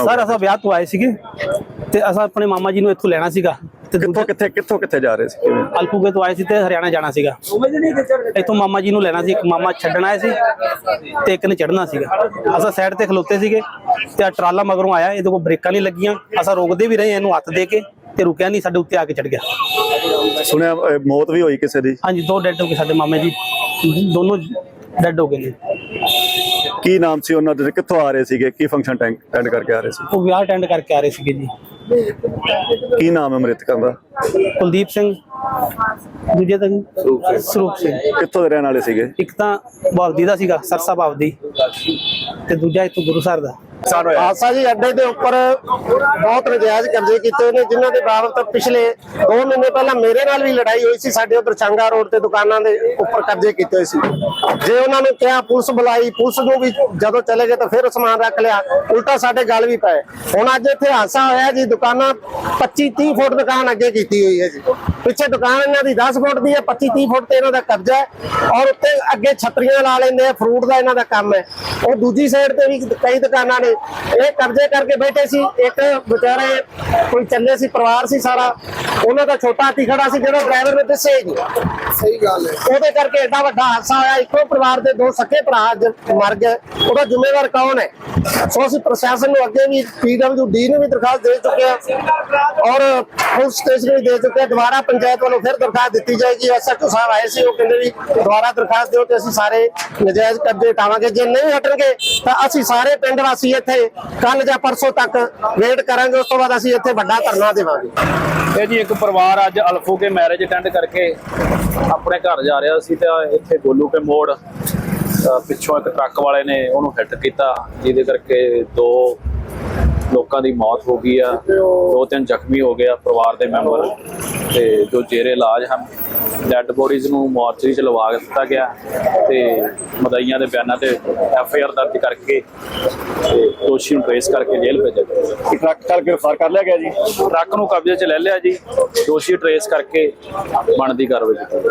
Sir ਅਸਾਂ ਵਿਆਹ ਤੋਂ ਆਏ ਸੀਗੇ ਤੇ ਅਸਾਂ ਆਪਣੇ ਮਾਮਾ ਜੀ ਨੂੰ ਇੱਥੋਂ ਲੈਣਾ ਸੀਗਾ ਤੇ ਕਿੱਥੋਂ ਜਾ ਰਹੇ ਸੀ ਕਿਵੇਂ? ਅਲਪੂਗੇ ਤੋਂ ਆਏ ਸੀ ਤੇ ਹਰਿਆਣਾ ਜਾਣਾ ਸੀਗਾ। ਇੱਥੋਂ ਮਾਮਾ ਜੀ ਨੂੰ ਲੈਣਾ ਸੀ, ਇੱਕ ਮਾਮਾ ਛੱਡਣ ਆਏ ਸੀ ਤੇ ਇੱਕ ਨੇ ਚੜ੍ਹਨਾ ਸੀਗਾ। ਅਸਾਂ ਸਾਈਡ ਤੇ ਖਲੋਤੇ ਸੀਗੇ ਤੇ ਆ ਟਰਾਲਾ ਮਗਰੋਂ ਆਇਆ, ਇਹਦੇ ਕੋਲ ਬ੍ਰੇਕਾਂ ਨਹੀਂ ਲੱਗੀਆਂ। ਅਸਾਂ ਰੋਕਦੇ ਵੀ ਰਹੇ, ਇਹਨੂੰ ਹੱਥ ਦੇ ਕੇ ਤੇ ਰੁਕਿਆ ਨਹੀਂ, ਸਾਡੇ ਉੱਤੇ ਆ ਕੇ ਚੜ ਗਿਆ। ਸੁਣਿਆ ਮੌਤ ਵੀ ਹੋਈ ਕਿਸੇ ਦੀ? ਹਾਂਜੀ, 2 ਡੈਡ ਹੋ ਗਏ ਸਾਡੇ ਮਾਮੇ ਜੀ, ਦੋਨੋਂ ਡੈਡ ਹੋ ਗਏ ਨੇ। ਕੀ ਨਾਮ ਸੀ ਉਹਨਾਂ ਦੇ? ਕਿੱਥੋਂ ਆ ਰਹੇ ਸੀਗੇ? ਕੀ ਫੰਕਸ਼ਨ ਅਟੈਂਡ ਕਰਕੇ ਆ ਰਹੇ ਸੀ? ਉਹ ਵਿਆਹ ਅਟੈਂਡ ਕਰਕੇ ਆ ਰਹੇ ਸੀਗੇ ਜੀ। ਕੀ ਨਾਮ ਹੈ ਮ੍ਰਿਤਕਾਂ ਦਾ? ਕੁਲਦੀਪ ਸਿੰਘ, ਦੂਜੇ ਦਾ ਸਰੂਪ ਸਿੰਘ। ਕਿੱਥੋਂ ਦੇ ਰਹਿਣ ਵਾਲੇ ਸੀਗੇ? ਇੱਕ ਤਾਂ ਬਾਵਦੀ ਦਾ ਸੀਗਾ, ਸਰਸਾ ਬਾਵਦੀ, ਤੇ ਦੂਜਾ ਇੱਥੋਂ ਗੁਰੂਸਰ ਦਾ। ਹਾਦਸਾ ਜੀ ਅੱਡੇ ਦੇ ਉੱਪਰ ਬਹੁਤ ਨਜਾਇਜ਼ ਕਬਜ਼ੇ ਕੀਤੇ ਨੇ, ਜਿਨ੍ਹਾਂ ਦੇ ਬਾਬਤ ਪਿਛਲੇ 2 ਮਹੀਨੇ ਪਹਿਲਾਂ ਮੇਰੇ ਨਾਲ ਵੀ ਲੜਾਈ ਹੋਈ ਸੀ। ਸਾਡੇ ਉਧਰ ਚੰਗਾ ਰੋਡ ਤੇ ਦੁਕਾਨਾਂ ਦੇ ਉੱਪਰ ਕਬਜ਼ੇ ਕੀਤੇ ਸੀ। ਜੇ ਉਹਨਾਂ ਨੇ ਕਿਹਾ ਪੁਲਿਸ ਬੁਲਾਈ, ਪੁਲਿਸ ਨੂੰ ਵੀ ਜਦੋਂ ਚਲੇ ਗਏ ਤਾਂ ਫਿਰ ਸਮਾਨ ਰੱਖ ਲਿਆ, ਉਲਟਾ ਸਾਡੇ ਗੱਲ ਵੀ ਪਏ। ਹੁਣ ਅੱਜ ਇੱਥੇ ਹਾਦਸਾ ਹੋਇਆ ਜੀ, ਦੁਕਾਨਾਂ 25-30 ਫੁੱਟ ਦੁਕਾਨ ਅੱਗੇ ਕੀਤੀ ਹੋਈ ਹੈ ਜੀ। ਪਿੱਛੇ ਦੁਕਾਨ ਇਹਨਾਂ ਦੀ 10 ਫੁੱਟ ਦੀ ਹੈ, 25-30 ਫੁੱਟ ਤੇ ਇਹਨਾਂ ਦਾ ਕਬਜ਼ਾ ਹੈ। ਔਰ ਉੱਤੇ ਅੱਗੇ ਛਤਰੀਆਂ ਲਾ ਲੈਂਦੇ ਆ, ਫਰੂਟ ਦਾ ਇਹਨਾਂ ਦਾ ਕੰਮ ਹੈ। ਉਹ ਦੂਜੀ ਸਾਈਡ ਤੇ ਵੀ ਕਈ ਦੁਕਾਨਾਂ ਨੇ, ਇਹ ਕਬਜ਼ੇ ਕਰਕੇ ਬੈਠੇ ਸੀ। ਇੱਕ ਵਿਚਾਰੇ ਕੋਈ ਚੱਲੇ ਸੀ, ਪਰਿਵਾਰ ਸੀ ਸਾਰਾ, ਉਹਨਾਂ ਦਾ ਛੋਟਾ ਹਾਥੀ ਖੜਾ ਸੀ ਜਿਹੜਾ ਡਰਾਈਵਰ ਨੇ ਦੱਸਿਆ ਹੀ ਨਹੀਂ। ਸਹੀ ਗੱਲ ਹੈ। ਉਹਦੇ ਕਰਕੇ ਐਡਾ ਵੱਡਾ ਹਾਦਸਾ ਹੋਇਆ। ਇੱਕੋ ਪਰਿਵਾਰ ਦੇ 2 ਸਕੇ ਭਰਾ ਮਰ ਗਏ, ਉਹਦਾ ਜ਼ਿੰਮੇਵਾਰ ਕੌਣ ਹੈ? ਸੋ ਅਸੀਂ ਪ੍ਰਸ਼ਾਸਨ ਨੂੰ ਅੱਗੇ ਵੀ PWD ਨੂੰ ਵੀ ਦਰਖਾਸਤ ਦੇ ਚੁੱਕੇ ਹਾਂ ਔਰ ਪੁਲਿਸ ਸਟੇਸ਼ਨ ਵੀ ਦੇ ਚੁੱਕੇ ਹਾਂ। ਦੁਬਾਰਾ ਪੰਚਾਇਤ ਵੱਲੋਂ ਫਿਰ ਦਰਖਾਸਤ ਦਿੱਤੀ ਜਾਏਗੀ। SHO ਸਾਹਿਬ ਆਏ ਸੀ, ਉਹ ਕਹਿੰਦੇ ਵੀ ਦੁਬਾਰਾ ਦਰਖਾਸਤ ਦਿਓ ਤੇ ਅਸੀਂ ਸਾਰੇ ਨਜਾਇਜ਼ ਕਬਜ਼ੇ ਹਟਾਵਾਂਗੇ। ਜੇ ਨਹੀਂ ਹਟਣਗੇ ਤਾਂ ਅਸੀਂ ਸਾਰੇ ਪਿੰਡ ਵਾਸੀ ਇੱਥੇ ਕੱਲ ਜਾਂ ਪਰਸੋਂ ਤੱਕ ਵੇਟ ਕਰਾਂਗੇ। ਉਸ ਤੋਂ ਬਾਅਦ ਅਸੀਂ ਇੱਥੇ ਵੱਡਾ ਧਰਨਾ ਦੇਵਾਂਗੇ। ਇਹ ਜੀ ਇੱਕ ਪਰਿਵਾਰ ਅੱਜ ਅਲਫੂਕੇ ਮੈਰਿਜ ਅਟੈਂਡ ਕਰਕੇ ਆਪਣੇ ਘਰ ਜਾ ਰਿਹਾ ਸੀ ਤੇ ਇੱਥੇ ਗੋਲੂ ਕੇ ਮੋੜ ਪਿੱਛੋਂ ਇੱਕ ਟਰੱਕ ਵਾਲੇ ਨੇ ਉਹਨੂੰ ਹਿੱਟ ਕੀਤਾ, ਜਿਹਦੇ ਕਰਕੇ 2 ਲੋਕਾਂ ਦੀ ਮੌਤ ਹੋ ਗਈ ਆ, 2-3 ਜ਼ਖਮੀ ਹੋ ਗਏ ਆ ਪਰਿਵਾਰ ਦੇ ਮੈਂਬਰ, ਤੇ ਜੋ ਜੇਰੇ ਇਲਾਜ ਹਨ। ਡੈਡ ਬੋਡੀਜ਼ ਨੂੰ ਮੋਰਚਰੀ ਚ ਲਵਾ ਦਿੱਤਾ ਗਿਆ ਤੇ ਮਦਈਆਂ ਦੇ ਬਿਆਨਾਂ ਤੇ FIR ਦਰਜ ਕਰਕੇ ਤੇ ਦੋਸ਼ੀ ਨੂੰ ਟ੍ਰੇਸ ਕਰਕੇ ਜੇਲ੍ਹ ਭੇਜਿਆ ਗਿਆ। ਟਰੱਕ ਚਾਲਕ ਗ੍ਰਿਫਤਾਰ ਕਰ ਲਿਆ ਗਿਆ ਜੀ? ਟਰੱਕ ਨੂੰ ਕਬਜ਼ੇ 'ਚ ਲੈ ਲਿਆ ਜੀ, ਦੋਸ਼ੀ ਟ੍ਰੇਸ ਕਰਕੇ ਬਣਦੀ ਕਾਰਵਾਈ ਕੀਤੀ।